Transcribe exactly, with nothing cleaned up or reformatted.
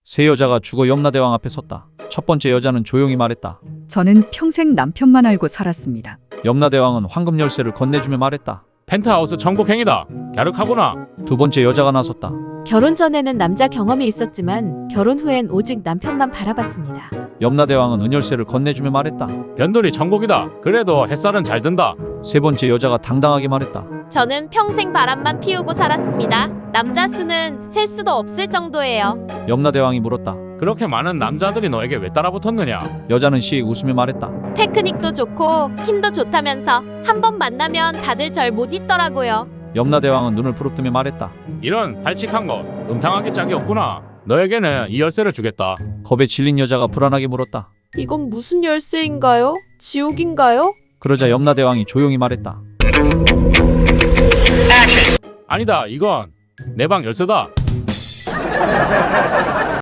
세 여자가 죽어 염라대왕 앞에 섰다. 첫 번째 여자는 조용히 말했다. 저는 평생 남편만 알고 살았습니다. 염라대왕은 황금 열쇠를 건네주며 말했다. 펜트하우스 정복행위다. 갸륵하구나. 두 번째 여자가 나섰다. 결혼 전에는 남자 경험이 있었지만 결혼 후엔 오직 남편만 바라봤습니다. 염라대왕은 은열쇠를 건네주며 말했다. 변돌이 정복이다. 그래도 햇살은 잘 든다. 세 번째 여자가 당당하게 말했다. 저는 평생 바람만 피우고 살았습니다. 남자 수는 셀 수도 없을 정도예요. 염라대왕이 물었다. 그렇게 많은 남자들이 너에게 왜 따라붙었느냐? 여자는 씩 웃으며 말했다. 테크닉도 좋고 힘도 좋다면서 한 번 만나면 다들 절 못 잊더라고요. 염라대왕은 눈을 부릅뜨며 말했다. 이런 발칙한 것 음탕하게 짝이 없구나. 너에게는 이 열쇠를 주겠다. 겁에 질린 여자가 불안하게 물었다. 이건 무슨 열쇠인가요? 지옥인가요? 그러자 염라대왕이 조용히 말했다. 아니다. 이건 내 방 열쇠다.